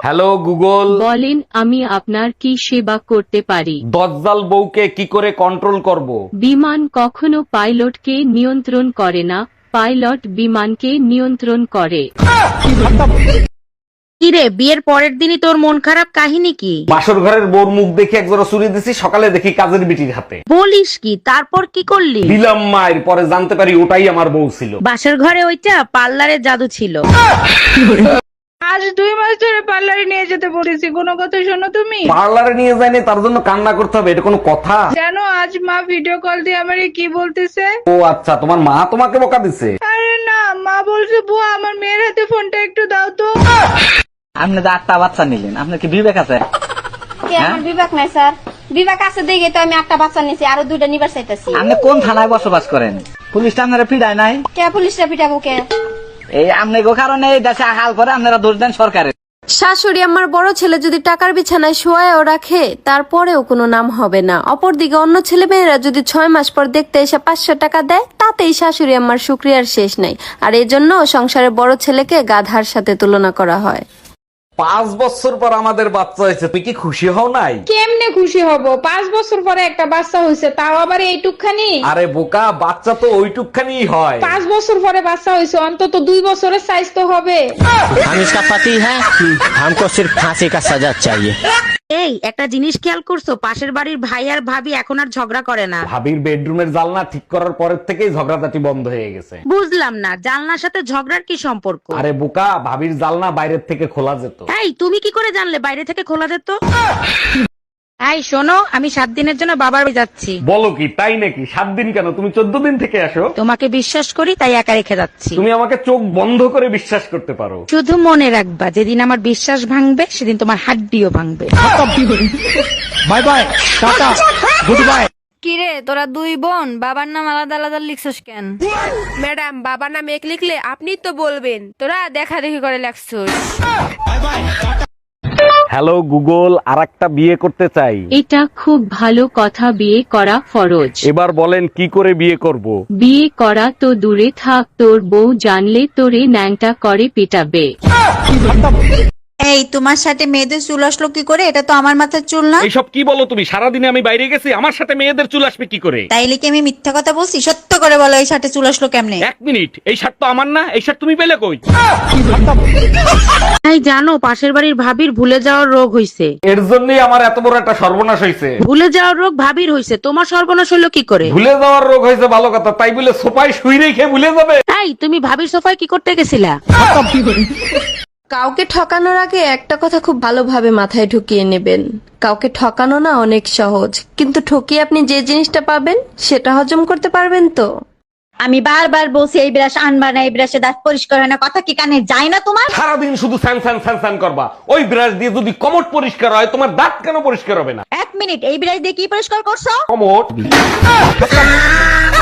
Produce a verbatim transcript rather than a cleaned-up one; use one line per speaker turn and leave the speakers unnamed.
Hello Google.
বলেন আমি আপনার কি সেবা করতে পারি?
দজ্জাল বউকে কি করে কন্ট্রোল করব?
বিমান কখনো পাইলটকে নিয়ন্ত্রণ করে না, পাইলট বিমানকে নিয়ন্ত্রণ করে।
কিরে, বিয়ের পরের দিনই তোর মন খারাপ, কাহিনী কি?
বাসর ঘরের বউর মুখ দেখে একজোড়া চুরি দিছি, সকালে দেখি কাজের বিটির হাতে।
বলিস কি? তারপর কি করলি?
দিলাম মায়ের, পরে জানতে পারি ওটাই আমার বউ ছিল।
বাসার ঘরে ওইটা পার্লারের জাদু ছিল।
আজ দুই মাস ধরে পার্লারে নিয়ে যেতে বলেছি, কোনো কথা শোনো তুমি?
পার্লারে নিয়ে যায়নি তার জন্য কান্না করতে হবে, এটা কোনো কথা?
জানো আজ মা ভিডিও কল দিয়ে আমারে কি বলতেছে?
ও আচ্ছা, তোমার মা তোমাকে বকা দিছে?
আরে না, মা বলছে বুয়া আমার মেয়ের হাতে ফোনটা একটু দাও তো।
আপনি তো আটটা বাচ্চা নিলেন, আপনার কি বিবেক আছে?
কে আমার বিবেক নাই স্যার, বিবেক আছে দেখে তো আমি একটা বাচ্চা নিছি, আরো দুইটা নিবার চাইতেছি।
আপনি কোন থানায় বসবাস করেন? পুলিশটা আপনারা পিটায় নাই?
কে পুলিশরা পিটাবো কে?
এই আপনি গো কারণে এই দেশে হাল করে আপনারা দোষ দেন সরকারের।
শাশুড়ি আমার বড় ছেলে যদি টাকার বিছানায় শোয়ায়ও রাখে তারপরেও কোনো নাম হবে না। অপরদিকে অন্য ছেলে মেয়েরা যদি ছয় মাস পর দেখতে এসে পাঁচশো টাকা দেয় তাতেই শাশুড়ি আমার শুক্রিয়ার শেষ নাই। আর এজন্য সংসারের বড় ছেলেকে গাধার সাথে তুলনা করা হয়।
পাঁচ বছর পর আমাদের বাচ্চা হয়েছে, তুই কি খুশি হও নাই?
কেমনে খুশি হব? পাঁচ বছর পরে একটা বাচ্চা হয়েছে, তাও আবার এইটুকখানি।
আরে বোকা, বাচ্চা তো ওইটুকখানি হয়।
পাঁচ বছর পরে বাচ্চা হয়েছে, অন্তত দুই বছরের সাইজ তো হবে।
हम इसका पति है, हमको सिर्फ फांसी का सजा चाहिए।
এই একটা জিনিস খেয়াল করছো, পাশের বাড়ির ভাই আর ভাবি এখন আর ঝগড়া করে না।
ভাবির বেডরুমের জানলা ঠিক করার পরের থেকেই ঝগড়াঝাটি বন্ধ হয়ে গেছে।
বুঝলাম না, জানলার সাথে ঝগড়ার কি সম্পর্ক?
আরে বোকা, ভাবির জানলা বাইরের থেকে খোলা যেত।
এই তুমি কি করে জানলে বাইরে থেকে খোলা যেত? এই শোনো, আমি সাত দিনের জন্য বাবার বাড়ি যাচ্ছি।
বলো কি, তাই নাকি? সাত দিন কেন, তুমি চোদ্দ দিন থেকে আসো।
তোমাকে বিশ্বাস করি তাই একা রেখে যাচ্ছি।
তুমি আমাকে চোখ বন্ধ করে বিশ্বাস করতে পারো।
শুধু মনে রাখবা, যেদিন আমার বিশ্বাস ভাঙবে সেদিন তোমার হাড্ডিও ভাঙবে।
Bye bye, tata, goodbye.
কিরে তোরা দুই বোন বাবার নাম আলাদা আলাদা লিখছস কেন?
ম্যাডাম, বাবার নাম এক লিখলে আপনি তো বলবেন, তোরা দেখা দেখি করে লেখছস।
হ্যালো গুগল, আর একটা বিয়ে করতে চাই।
এটা খুব ভালো কথা, বিয়ে করা ফরজ।
এবার বলেন কি করে বিয়ে করব?
বিয়ে করা তো দূরে থাক, তোর বউ জানলে তোরে ন্যাংটা করে পিটাবে।
এই তোমার সাথে মেয়েদের চুল আসলো কি করে? এটা তো আমার মাথার চুল না।
এইসব কি বলো তুমি? সারাদিনে আমি বাইরে গেছি, আমার সাথে মেয়েদের চুল আসবে কি করে?
তাইলে কি আমি মিথ্যা কথা বলছি? সত্য করে বলো, এই সাথে চুল আসলো কেমনে?
এক মিনিট, এই শার্ট তো আমার না, এই শার্ট তুমি পেলে কই?
এই জানো, পাশের বাড়ির ভাবির ভুলে যাওয়ার রোগ হইছে।
এর জন্যই আমার এত বড় একটা সর্বনাশ হয়েছে।
ভুলে যাওয়ার রোগ ভাবির হইছে, তোমার সর্বনাশ হইলো কি করে?
ভুলে যাওয়ার রোগ হয়েছে ভালো কথা, তাই বলে সোফায় শুই রেখে ভুলে যাবে?
এই তুমি ভাবির সোফায় কি করতে গেছিলা?
কাউকে ঠকানোর আগে একটা কথা খুব ভালোভাবে মাথায় ঢুকিয়ে নেবেন, কাউকে ঠকানো না অনেক সহজ, কিন্তু ঠকিয়ে আপনি যে জিনিসটা পাবেন সেটা হজম করতে পারবেন তো?
আমি বারবার বলছি এই ব্রাশ আনবা না, এই ব্রাশে দাঁত পরিষ্কার হয় না, কথা কি কানে যায় না তোমার?
সারাদিন শুধু স্যান স্যান স্যান স্যান করবা। ওই ব্রাশ দিয়ে যদি কমট পরিষ্কার হয়, তোমার দাঁত কেন পরিষ্কার হবে না?
এক মিনিট, এই ব্রাশ দিয়ে কি পরিষ্কার করছো?
কমট